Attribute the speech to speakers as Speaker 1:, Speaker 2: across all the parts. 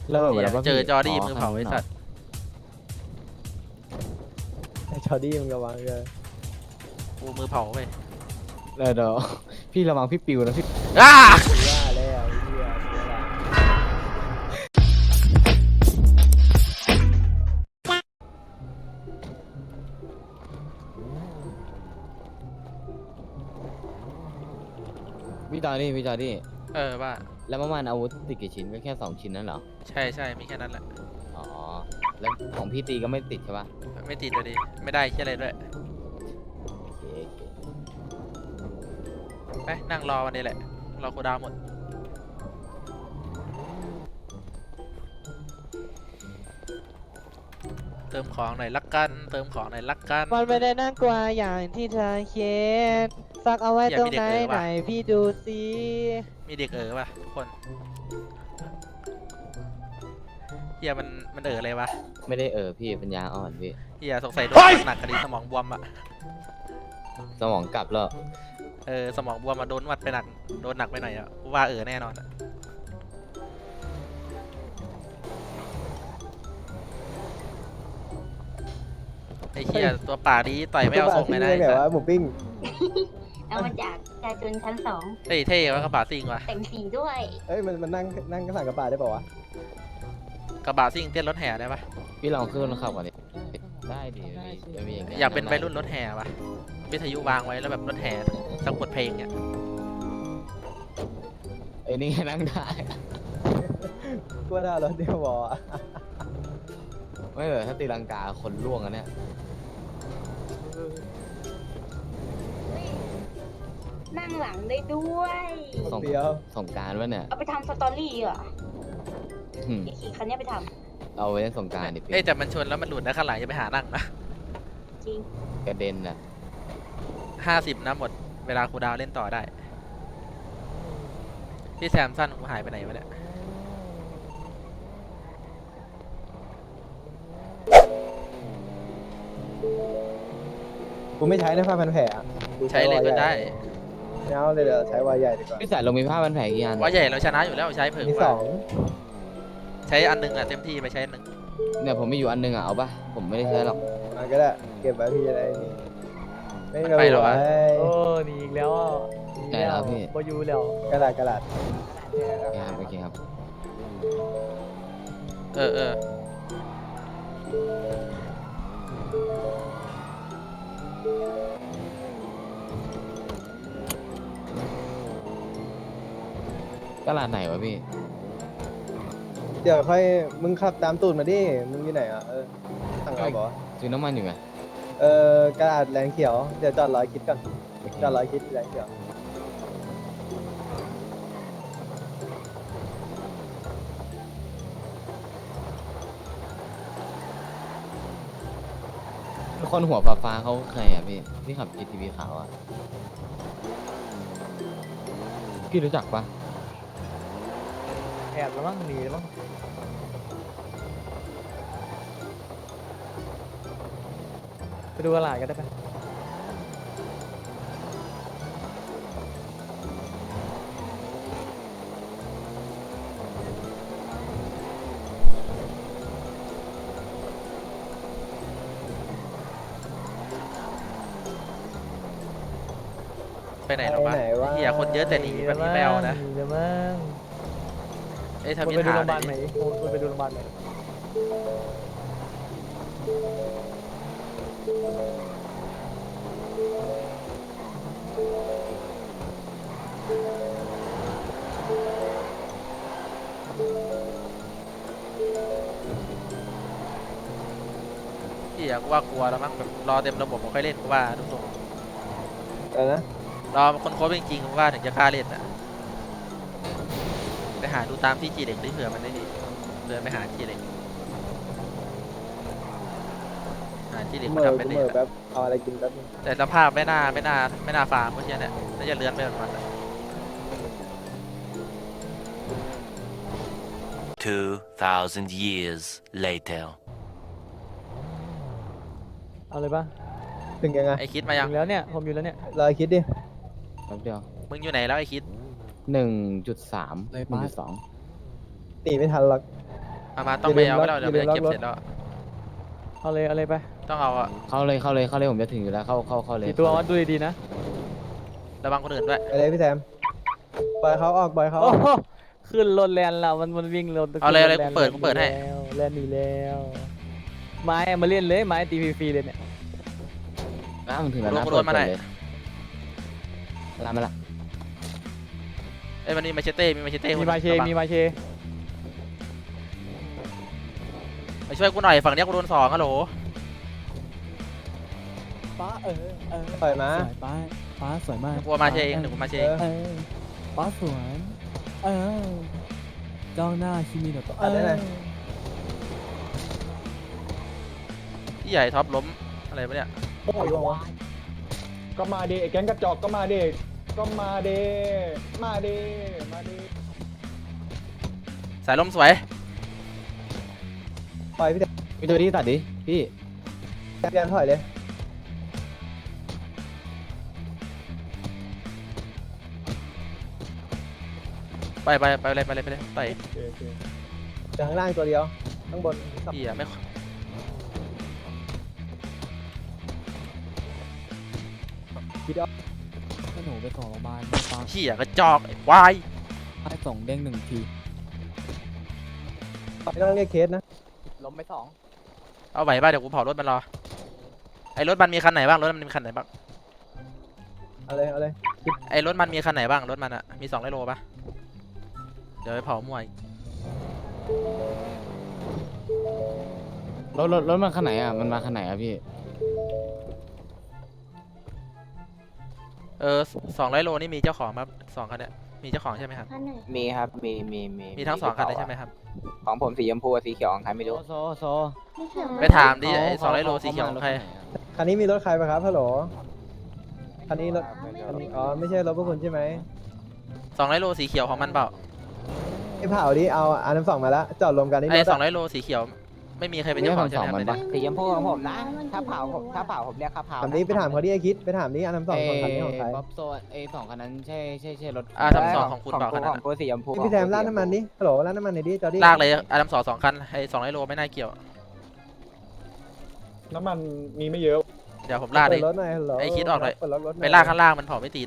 Speaker 1: เริ่มไปแล้วป่ะ
Speaker 2: เจอ
Speaker 1: พี่
Speaker 2: จอร์ดี้มือเผาไอ้สัตว์
Speaker 3: ไอ้ชอดี้มึงระวังเลย
Speaker 2: กูมือเผาไป
Speaker 1: เดี๋ยวพี่ระวังพี่ปิวนะพี่
Speaker 2: อ้า
Speaker 3: ว่าแล้วไอ้เหี้ยเสียละ
Speaker 1: พี่จอดี้
Speaker 2: ว่า
Speaker 1: แล้วเมื่อวานอาวุธติดกี่ชิ้นก็แค่2 ชิ้นนั่นเหรอ
Speaker 2: ใช่มีแค่นั้นแหละ
Speaker 1: อ๋อแล้วของพี่ตีก็ไม่ติดใช่ปะ
Speaker 2: ไม่ติดเลยดิไม่ได้แค่อะไรด้วย
Speaker 1: โอเค
Speaker 2: ไปนั่งรอวันนี้แหละรอคูลดาวน์หมดเติมของหน่อยลักกัน
Speaker 3: มันไม่ได้น่ากลัวอย่างที่เธอคิดซักเอาไว้ตรงไหนไหนพี่ดูสิ
Speaker 2: มีเด็กป่ะทุกคนเฮียมันอะไรวะ
Speaker 1: ไม่ได้พี่ปัญญาอ่อนพี่
Speaker 2: เฮียสงสัยโดนหนักกระดิ่งสมองบวมอ่ะ
Speaker 1: สมองกลับแล้ว
Speaker 2: สมองบวมมาโดนหนักไปหน่อยอ่ะว่าแน่นอนอ่ะไอ้เฮียตัวป่าดีต่อยไม่เอาทรงเลยนะ
Speaker 3: แบบว่าหมูปิ้ง
Speaker 4: เอามาจากจาจุนชั้น 2
Speaker 2: เท่ว่ากระบะซิ่งว่ะ
Speaker 4: แต่งสีด้วย
Speaker 3: เอ้ยมันนั่งกระสังกระปาได้ป่าวะ
Speaker 2: กระบะซิ่งเต้นรถแห่ได้ปะ
Speaker 1: พี่ลองขึ้นรถขับก่อนดิได้ดิพี่จะมีอย่างเงี้ย
Speaker 2: อยากเป็นวัยรุ่นรถแห่ปะวิทยุวางไว้แล้วแบบรถแห่สักบทเพลงเนี่ย
Speaker 1: นี่นั่งได้
Speaker 3: กูว่าได้รถเดียวบอ
Speaker 1: ไม่เลยถ้าตีลังกาคนล่วงอันเนี้ย
Speaker 4: นั่งหลังได้ด้วย
Speaker 3: เดียว
Speaker 1: สงกรารวะเนี่ย
Speaker 4: เอาไปทำสตอรี่เหรอ
Speaker 1: อืม
Speaker 4: ไอ้ขี่คันเนี้ยไปท
Speaker 1: เอาไว้เล่นสงกรารดิพี่
Speaker 2: แต่มันชนแล้วมันหลุดนะข้างหลังอย่าไปหานั่งนะ
Speaker 4: ำจริง
Speaker 1: กระเด็นน่ะ
Speaker 2: 50นะหมดเวลาครูดาวเล่นต่อได้พี่แซมสั้นกูหายไปไหนวะเนี่ย
Speaker 3: กูไม่ใช้ในผ้าพันแผลอะ
Speaker 2: ใช้เลยก็ได้
Speaker 3: ไม่เอาเลยเดี๋ยวใช้วายใหญ่ดีกว่า
Speaker 1: พี่สายลงมีผ้าพันแผลกี่อัน
Speaker 2: ว่าใหญ่เราชนะอยู่แล้วใช้เผิ่ม
Speaker 3: มี
Speaker 2: ก
Speaker 3: ส
Speaker 2: ว่า
Speaker 3: อง
Speaker 2: ใช้อันหนึงอ่ะเต็มที่ไปใช้อันหนึง
Speaker 1: เนี่ยผมมีอยู่อันนึงอ่ะเอาปะผมไม่ได้ใช้หรอก
Speaker 3: มันก็ได้เก็บไว้พี่จะได้นี่ไม่
Speaker 2: มัน
Speaker 3: รู้
Speaker 2: ไปแล้วอะ
Speaker 3: โอ้
Speaker 5: หนีอีกแล้วอ่ะหนี
Speaker 1: ได้แล้วพี่
Speaker 5: บอยูแล้ว
Speaker 3: กระดาษกระดาษ
Speaker 1: โอเคครับ
Speaker 2: เออ
Speaker 1: ตลาดไหนวะพี่
Speaker 3: เดี๋ยวค่อยมึงขับตามตูดมาดิมึงอยู่ไหนอ่ะสั่งเอาบอ
Speaker 1: ซื้อน้ำมันอยู่ไง
Speaker 3: กระดาษแรงเขียวเดี๋ยวจอดรอคิดก่อนจอดรอคิดแรงเขียว
Speaker 1: คนหัวฟ้าเขาใครอ่ะพี่ที่ขับ GTV ขาวอ่ะพี่รู้จักปะ
Speaker 5: แอบแล้วมั้งหนีแล้วมั้งไปดูตลาดกันได้ปะ
Speaker 2: ไปไหนหรอวะเฮียคนเยอะแต่หนีแบบนี้ไม่เอานะ
Speaker 5: หนีแล้วมั้ง
Speaker 2: ถ้า
Speaker 5: มึ
Speaker 2: มี
Speaker 5: งไปดู
Speaker 2: ถา
Speaker 5: โร
Speaker 2: ม
Speaker 5: งพยาบาลไหนมึงไปดูโรงพยาบาลไหน
Speaker 2: เฮียกูว่ากลัวแล้วมั้งแบบรอเต็มระบบไม่ค่อยเล่นกูว่าทุกทรง
Speaker 3: อะไรนะ
Speaker 2: รอคนโค้ชจริงๆกูว่าถึงจะกล้าเล่นอ่ะไปหาดูตามที่จีเด็กได้เผื่อมันได้ดีเดินไปหาจีเด็กจีเด็ก
Speaker 3: เห
Speaker 2: มา
Speaker 3: มื่อ
Speaker 2: ทำเป็น
Speaker 3: กู
Speaker 2: เด็
Speaker 3: เห
Speaker 2: ก
Speaker 3: มื่อแป๊บเอาอะไรกินแป๊บนึง
Speaker 2: แต่สภาพไม่น่าฟาร์มเพราะเช่นเนี่ยน่าจะเลื้อนไปแบบมันอะ
Speaker 6: 2,000 years later.
Speaker 5: เอาเลยปะ
Speaker 3: ถึงยังไง
Speaker 2: ไอคิดมายัง
Speaker 5: ถึงแล้วเนี่ยผมอยู่แล้วเนี่ย
Speaker 3: รอคิดดิ
Speaker 1: แป๊บเดียว
Speaker 2: มึงอยู่ไหนแล้วไอคิด
Speaker 1: 1.3 1.2
Speaker 3: หนีไม่ทันหรอก
Speaker 2: มาต้องไปเอาไปแล้วเดี๋ยวมันจะเก็บเสร็จแล้ว
Speaker 5: เอาเลยไป
Speaker 2: ต้องเอาอะ
Speaker 1: เข้าเลยผมจะถึงอยู่แล้วเข้าเลย
Speaker 5: กี่ตัววัดดูดีๆนะ
Speaker 2: ระวังคนอื่นด้วย
Speaker 3: ไปเลยพี่แซมปล่อยเขาออกปล่อยเขา
Speaker 5: โอ้โหขึ้นรถแลนแล้วมันวิ่งรถ
Speaker 2: เอาเลยกูเปิดให้
Speaker 5: แลนหนีแล้วไม้มาเล่นเลยไม้ตีฟรีๆเลยเนี่ย
Speaker 1: มันถึงแล้วนะ
Speaker 2: โดนมาไหน
Speaker 1: มาละ
Speaker 2: เอ้ยมันมีมาเชเต้มีมาเชเต้
Speaker 5: มีมาเช
Speaker 2: มาช่วยกูหน่อยฝั่งเนี้ยกูโดน2ฮัลโหล
Speaker 5: ป้า
Speaker 3: ปล่อยมา
Speaker 5: สวยป้าสวยมาก
Speaker 2: กูมาเชเองเดี๋ยวกูมาเชเอง
Speaker 5: ป้าสวยจ้องหน้าคิมิโนโตะ
Speaker 2: ที่ใหญ่ท็อปล้มอะไรปะเนี่ย
Speaker 3: โอ้ย
Speaker 7: ก็มาดิไอ้แก๊งกระจอกก็มาดิก็มาดิมาดิมาดิ
Speaker 2: สายล้มสวย
Speaker 3: ปล่อยพี่แซม
Speaker 1: มีตัวที่ตัดดิพี่
Speaker 3: พี่แซมถอยเลย
Speaker 2: ไปเลยไป
Speaker 3: จากข้างล่างตัวเดียวข้างบน
Speaker 2: เหี้ยไม่
Speaker 5: หนูไปส่งโรงพยาบาลป้า
Speaker 2: เหี้ยกระจอกไอ้ควาย
Speaker 5: ให้ส่งเด้ง1 ที
Speaker 3: ไม่ต้องเรียกเคสนะ
Speaker 5: ล้มไป2
Speaker 2: เอาไหวป่ะเดี๋ยวกูเผารถมันรอไอ้รถมันมีคันไหนบ้างรถมันมีคันไหนบ้าง
Speaker 3: เอาเลย
Speaker 2: ไอ้รถมันมีคันไหนบ้างรถมันอะมี200 โลป่ะเดี๋ยวไปเผามั่วอีก
Speaker 1: รถมันคันไหนอ่ะมันมาคันไหนอ่ะพี่
Speaker 2: 200 โลนี่มีเจ้าของครับ2คันเนี่ยมีเจ้าของใช่ไหมครับ
Speaker 4: ท่านไหน
Speaker 8: มีครับ
Speaker 2: มีทั้ง2คันเลยใช่ไหมครับ
Speaker 8: ของผมสีชมพูกับสีเขียวของใครไม่รู้
Speaker 1: โซ
Speaker 4: ไม่เขียว
Speaker 2: ไปถามดิไอ้200 โลสีเขียวของใคร
Speaker 3: คันนี้มีรถใครปะครับฮัลโหลคันนี้รถคันนี้อ๋อไม่ใช่รถพวกคุณใช่ไหม
Speaker 2: 200 โลสีเขียวของมันเปล่า
Speaker 3: ไอ้เผาดิเอาอันน้ำสองมาละจอดรวมกันนี่
Speaker 2: ไอ้
Speaker 3: รถอะ
Speaker 2: 200 โลสีเขียวไม่มีใครเป็นเจ้าของใช่ไหมครับ
Speaker 1: มันปะ
Speaker 8: สีชมพูของผมนะ ถ้าเผาผมเรียกค่าเผา
Speaker 3: ถามนี้ไปถามเขาดิไอ้คิดไปถามนี้อันน้ำสองคนคันนี้ของใคร
Speaker 1: บ๊อบโซ2คันนั้นใช่รถ
Speaker 2: ทั้งสองของคุณเปล่าคันนั้น
Speaker 8: ของกูสีชมพู
Speaker 3: พี่แซมร้านน้ำมันดิฮัลโหลร้านน้ำมันไหนดิจอดดิ
Speaker 2: ลากเลยอันดับ2คันไอ้200 โลไม่น่าเกี่ยว
Speaker 7: น้ำมันมีไม่เยอะ
Speaker 2: เดี๋ยวผมลากเล
Speaker 3: เปิ
Speaker 2: ย
Speaker 3: ดรถหน่อยฮัลโหล
Speaker 2: ไอ้คิดออกเลย
Speaker 3: เปิดรถหน่อย
Speaker 2: ไปลากข้างล่างมันเผาไม่ติด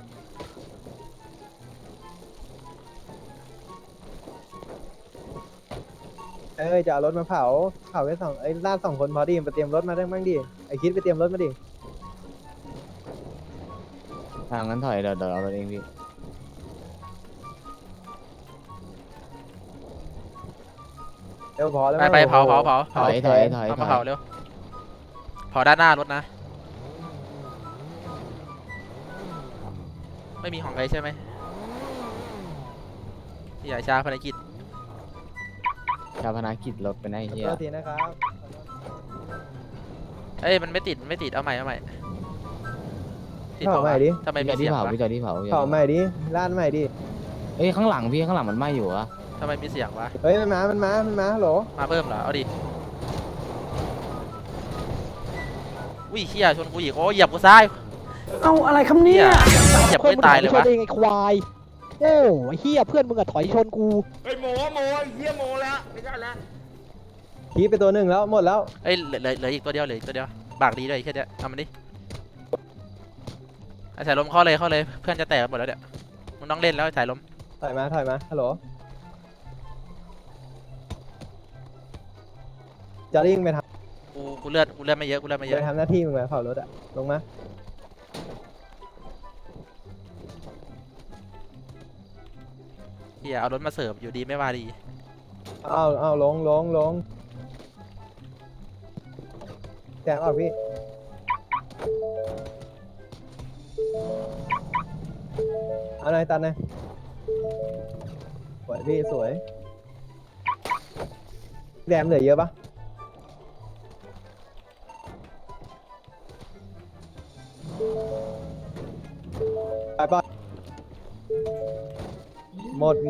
Speaker 3: จะเอารถมาเผาไว้ไอ้ลาก2 คนพอดีไปเตรียมรถมาได้บ้างดิไอ้คิดไปเตรียมรถมาดิ
Speaker 1: ทางนั้นถอยเดี๋ยวเอารถเองพี่
Speaker 3: เดี๋ยวพอแล้ว
Speaker 2: ไปเผา
Speaker 1: ถอย
Speaker 2: เอามาเผาเร็วเผาด้านหน้ารถนะไม่มีของใครใช่ไหมอย่าช้าภารกิจ
Speaker 1: ชาวพนักกิจรถไปไหนเฮีย
Speaker 3: โทษทีนะครับ
Speaker 2: เอ้ยมันไม่ติดเอาใหม่ติด
Speaker 3: เผา
Speaker 2: เปล่า
Speaker 3: ใหม่ดิ
Speaker 2: ทำไมมี
Speaker 1: พี่
Speaker 2: เสียง
Speaker 1: เผาว
Speaker 2: ะ
Speaker 1: พี่จอที่เผา
Speaker 3: เผาใหม่ดิร้านใหม่ดิ
Speaker 1: เอ้ยข้างหลังพี่ข้างหลังมันไหม้อยู่อะ
Speaker 2: ทำไมมีเสียงวะ
Speaker 3: เฮ้ยมันมาฮัลโหล
Speaker 2: มาเพิ่มเหรอเอาดิอุ้ยเฮียชนกูอีกโอ้เหยียบกูซ้าย
Speaker 5: เอาอะไรคำนี้
Speaker 2: เหยียบไม่ตายเลยวะ
Speaker 3: เองไอ้ควายโอ้ไอ้เฮียเพื่อนมึงอะถอยชนกู
Speaker 7: เฮ้ยโมเฮียโมแล้วไม่ใช่แล้ว
Speaker 3: ขี่ไปตัวหนึ่งแล้วหมดแล้ว
Speaker 2: เอ้ยเหลืออีกตัวเดียวบากดีเลยแค่เนี้ยทำมันดิไอ้สายลมเข้าเลยเพื่อนจะแตกหมดแล้วเนี่ยมึงต้องเล่นแล้วไอ้สายลม
Speaker 3: ถอยมาฮัลโหลจะริ่งไปท
Speaker 2: กูเลือดไม่เยอะ
Speaker 3: ำไปทำหน้าที่มึงไปเผารถอะลงมา
Speaker 2: เฮียเอารถมาเสิร์ฟอยู่ดีไม่ว่าดี
Speaker 3: เอาลงแจงออกพี่เอาหน่อยตัดหน่อยสวยพี่สวยแดมเหลือเยอะปะไปหมด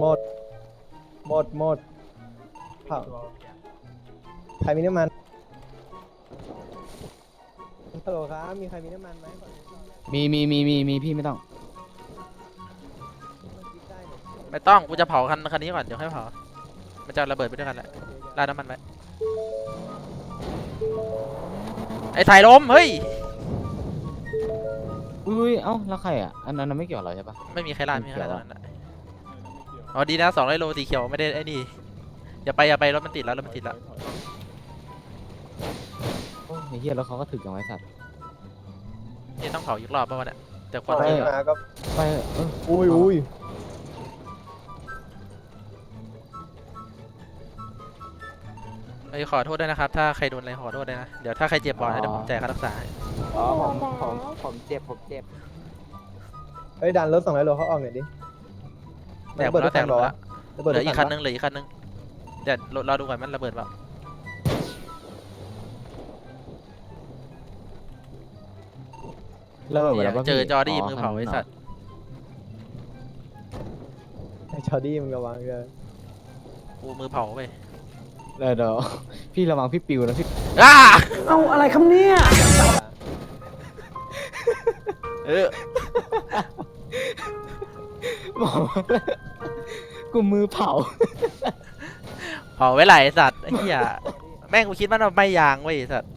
Speaker 3: เผาใครมีน้ำมันฮัลโหลครับมีใครมีน้ำมันไหม
Speaker 1: มีพี่ไม่ต้อง
Speaker 2: ไม่ต้องกูจะเผาคันนี้ก่อนเดี๋ยวค่อยเผามันจะระเบิดไปด้วยกันแหละ
Speaker 3: เดี๋ยว
Speaker 2: ราดน้ำมันไว้ไอ้สายลมเฮ้ย
Speaker 1: อุ้ยเอ้าแล้วใครอ่ะอันนั้นไม่เกี่ยวกับเราใช่ปะ
Speaker 2: ไม่มีใครราดไม่มีใครราด
Speaker 1: ไม่เกี่ยว
Speaker 2: นั่นน่ะอ๋อดีนะ200 โลสีเขียวไม่ได้ไอ้นี่อย่าไปรถมันติดแล้วรถมันติดแล้ว
Speaker 1: โอ้ยไอ้เหี้ยแล้วเขาก็ถึกอย่างไรสัตว์
Speaker 2: นี่ต้องเผาอีกรอบป่ะวะเนี่ยแต่ควัน
Speaker 7: ไป
Speaker 2: เยอะ
Speaker 7: มาก็
Speaker 1: ไปเออ
Speaker 7: อุ้ย
Speaker 2: ไอ้ยขอโทษด้วยนะครับถ้าใครโดนอะไรขอโทษด้วยนะเดี๋ยวถ้าใครเจ็บบ่อยนะเดี๋ยวผมจ่ายค่ารักษาให้
Speaker 8: อ๋อผมเจ็บ
Speaker 7: เฮ้ยดันรถ200 โลเขาออกหน่อยดิ
Speaker 2: แตกหมดแล้วแตกหมดแล้ว
Speaker 7: ระเบิด
Speaker 2: เหลืออีกคันนึ
Speaker 7: ง
Speaker 2: งเหลืออีกคันนึงเดี๋ยวเราดูก่อนมันระเบิดเปล่า
Speaker 1: แล้วแบบแล้ว
Speaker 2: เจอจอร์ดี้มือเผาไอ้สัตว์
Speaker 7: ไอ้จอร์ดี้มึงระวังเลย
Speaker 2: กูมือเผาไป
Speaker 1: เดี๋ยวพี่ระวังพี่ปิวนะพี่
Speaker 2: อ้า
Speaker 5: เอาอะไรคำเนี้ย
Speaker 2: เออ
Speaker 1: บอกว่ากูมือเผา
Speaker 2: เผาไว้ไหลไอ้สัตว์ไอ้เหี้ยแม่งกูคิดว่ามันไม่ยางเว้ยไอ้สัตว์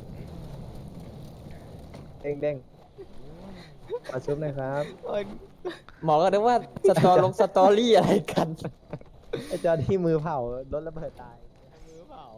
Speaker 7: เด้งมาชุบหน่อยครับ
Speaker 5: หมอก็นึกว่าสตอรี่อะไรกัน
Speaker 7: ไอ้จอร์ดี้มือเผารถระเบิดตาย
Speaker 1: มือเผา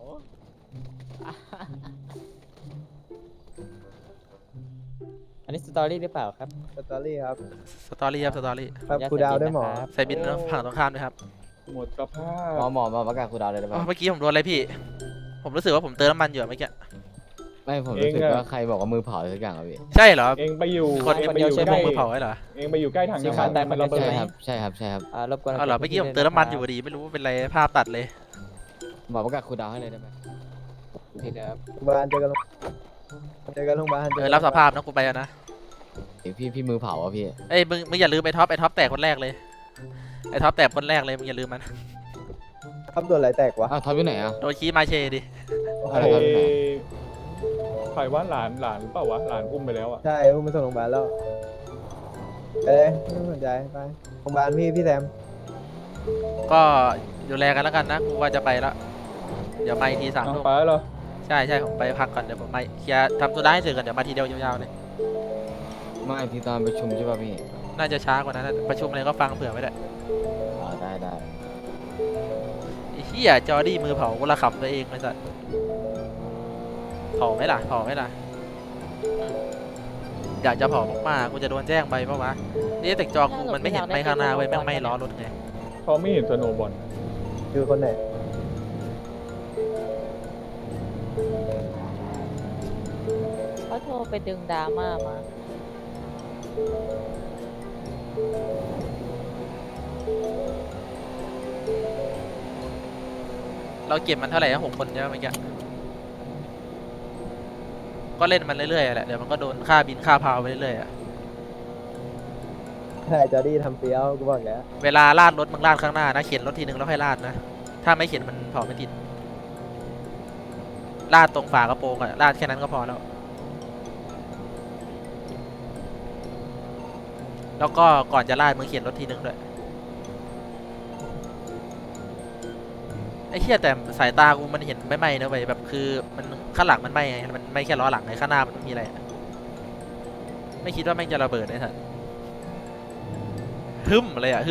Speaker 5: อันนี้สตอรี่หรือเปล่าครับ
Speaker 7: สตอรี่ครับ
Speaker 2: สตอรี่ครับสตอรี่
Speaker 7: ครับครูดาวด้วยหมอ
Speaker 2: ใส่บินฝั่งตรงข้ามด้วยครับ
Speaker 7: หมดสภา
Speaker 1: หมอมาประกาศครูดาวเลยได้
Speaker 2: อ๋อ
Speaker 1: ปะ
Speaker 2: เมื่อกี้ผมโดนอะไรพี่ ผมรู้สึกว่าผมเติมน้ำมันอยู่อะเมื่อกี้
Speaker 1: ไม่ผมรู้สึกว่าใครบอกว่ามือเผาอะไรสักอย่างอะพี่
Speaker 2: ใช่เหรอ
Speaker 7: เองไปอยู่
Speaker 2: มีคนไปอยู่ใช้พวกมือเผาไว้เหรอ
Speaker 7: เองไปอยู่ใกล้ถัง
Speaker 5: สี
Speaker 7: น้ำ
Speaker 5: ขาวตาย
Speaker 7: มัน
Speaker 5: มัน
Speaker 7: ระเบิด
Speaker 1: ใช่ครับใช่ครับใช่ครับ
Speaker 5: รบกวน
Speaker 2: เอาเหรอเมื่อกี้ผมเติมน้ำมันอยู่พอดีไม่รู้ว่าเป็นไรภาพตัดเลย
Speaker 1: หมอประกาศครูดาวให้เลยได้ไหม
Speaker 5: ผิดครับ
Speaker 7: โรงพยาบาลเจอกันโรงพยาบาล
Speaker 2: รับสภาพนะกูไปแล้วนะ
Speaker 1: เดี๋ยวพี่มือเผาอ่ะพี่
Speaker 2: เอ้ยมึงอย่าลืมไอ้ท็อปแตกคนแรกเลยไอ้ท็อปแตกคนแรกเลยมึงอย่าลืมมัน
Speaker 7: ครับโดนอะไรแตกวะ
Speaker 1: อ้าวท็อปอยู่ไหนอ่ะ
Speaker 2: โดนขี้มาเชดิ
Speaker 1: อะไรครับ
Speaker 9: ใครว่าหลานเปล่าวะหลานอุ้มไปแล้วอ่ะ
Speaker 7: ใช่อุ้มไปส่งโรงพยาบาลแล้วไปเลยไม่ต้องสนใจไปโรงพยาบาลพี่แซม
Speaker 2: ก็ดูแลกันแล้วกันนะกูว่าจะไปแล้วเดี๋ยวมาอีกที3 ทุ่ม
Speaker 9: ไปแล้วเหรอ
Speaker 2: ใช่ผมไปพักก่อนเดี๋ยวผมไปเคลียร์ทำตัวได้ให้เสร็จก่อนเดี๋ยวมาทีเดียวยาวๆเลย
Speaker 1: ไม่ที่ตอนประชุมใช่ป่ะพี่
Speaker 2: น่าจะช้ากว่านั้นนะประชุมอะไรก็ฟังเผื่อไว้ด้วย
Speaker 1: ได้
Speaker 2: ไอ้เหี้ยจอร์ดี้มือเผากูละขำตัวเองไอ้สัสเผาไหมล่ะอยากจะเผามากๆกูจะโดนแจ้งไปปะวะนี่แต่จอกูมันไม่เห็นไม่ข้างหน้าเว้ยแม่งไม่ล้อรถไง
Speaker 9: เขาไม่เห็นสโนว์บอล
Speaker 7: คือคนไหน
Speaker 10: เขาโทรไปดึงดราม่ามา
Speaker 2: เราเก็บมันเท่าไหร่นะ6 คนใช่ไหมเมื่อกี้ก็เล่นมันเรื่อยๆแหละเดี๋ยวมันก็โดนค่าบินค่าพาวไปเรื่อยๆอะ
Speaker 7: ใช่จอร์ดี้ทำเฟี้ยวกูบอกแล้ว
Speaker 2: เวลาลาดรถมึงลาดข้างหน้านะเข็นรถทีนึงแล้วค่อยลาดนะถ้าไม่เข็นมันเผาไม่ติดลาดตรงฝากระโปรงอะลาดแค่นั้นก็พอแล้วก็ก่อนจะลาดมึงเข็นรถทีนึงด้วยไอ้เหี้ยแต่สายตากูมันเห็นไม่ไหม้นะเว้ยแบบคือมันข้างหลังมันไหม้ไงมันไม่แค่ล้อหลังไงข้างหน้ามันไม่มีอะไรอะไม่คิดว่าแม่งจะระเบิดเลยท่านฮึ่มเลยอะ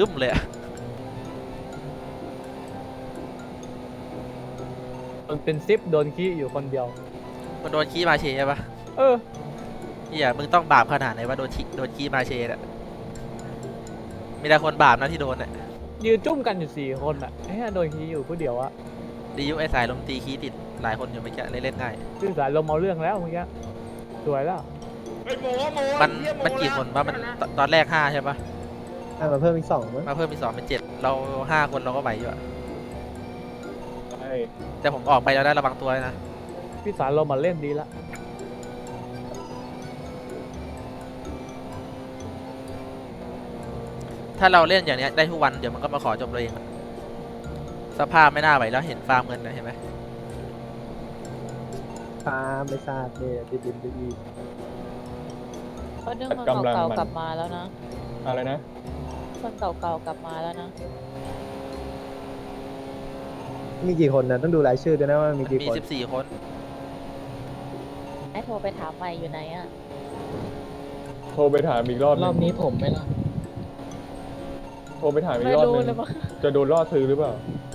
Speaker 5: มันเป็นซิปโดนขี้อยู่คนเดียว
Speaker 2: มันโดนขี้มาเชใช่ปะ
Speaker 5: เออ
Speaker 2: เหี้ยมึงต้องบาปขนาดไหนว่าโดนขี้มาเชน่ะมีแต่คนบาปนะที่โดนเนี่ย
Speaker 5: ยืนจุ่มกันอยู่4 คนอ่ะไอ้เหี้ยโดนขี้อยู่ผู้เดียวอะ
Speaker 2: ดียุไอ้สายลมตีขี้ติดหลายคนอยู่ไม่แค่เล่นง่าย
Speaker 5: ซึ่งสารลมเอาเรื่องแล้วเมื่อกี้สวยแล้ว
Speaker 2: มันกี่คนว่ามันตอนแรก5ใช่ปะ
Speaker 7: มาเพิ่มอีก2มั้ง
Speaker 2: มาเพิ่มอีก2เป็น7เรา5 คนเราก็ไหวอยู่อะ
Speaker 9: ใช่
Speaker 2: แต่ผมออกไปแล้วได้ระวังตัวนะ
Speaker 5: พี่สารลมมาเล่นดีละ
Speaker 2: ถ้าเราเล่นอย่างเนี้ยได้ทุกวันเดี๋ยวมันก็มาขอจบเราเองอะสภาพไม่น่าไหวแล้วเห็นฟาร์มเงินนะเห็นไหม
Speaker 7: ปลาไม่ทราบเนี่ยดิบดี
Speaker 10: เขาดึงคนเก่าๆกลับมาแล้วนะ
Speaker 9: อะไรนะ
Speaker 10: คนเก่าๆกลับมาแล้วนะ
Speaker 8: มีกี่คนนะต้องดูรายชื่อด้วยนะว่ามีกี่
Speaker 2: มี
Speaker 8: คน
Speaker 2: 14 คน
Speaker 10: ไอ้โทรไปถามใหม่อยู่ไหนอ่ะ
Speaker 9: โทรไปถามอีกรอบห
Speaker 5: ร
Speaker 9: นึ่
Speaker 5: อง บนี้ผมไม่รอด
Speaker 9: โทรไปถามอี
Speaker 10: ไม่
Speaker 9: กรอบ
Speaker 10: รู้
Speaker 9: หนึง
Speaker 10: เลยมั้ง
Speaker 9: จะโดนล่อซื้อหรือเปล่า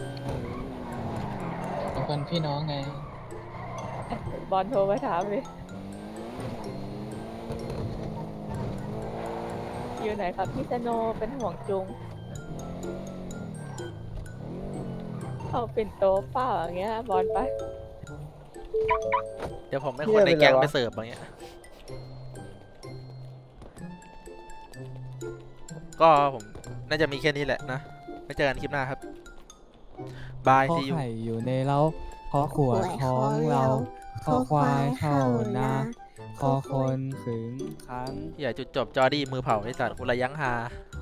Speaker 5: เป็นคนพี่น้องไง
Speaker 10: บอลโทรไปถามเลยอยู่ไหนครับพี่สโนเป็นห่วงจุงเอาเป็นโต๊ะเปล่าอย่างเงี้ยบอลไป
Speaker 2: เดี๋ยวผมให้คนในแก๊งไปเสิร์ฟอย่างเงี้ยก็ผมน่าจะมีแค่นี้แหละนะไว้เจอกันคลิปหน้าครับบาย
Speaker 5: ข้อ
Speaker 2: ซียู
Speaker 5: ไข่อยู่ในเล้าข้อขวดท้องเราข้อควายเข้านาข้อคนขึงขัง
Speaker 2: อย่าจุดจบจอดี้มือเผาไอ้สัตว์กูระยั้งฮา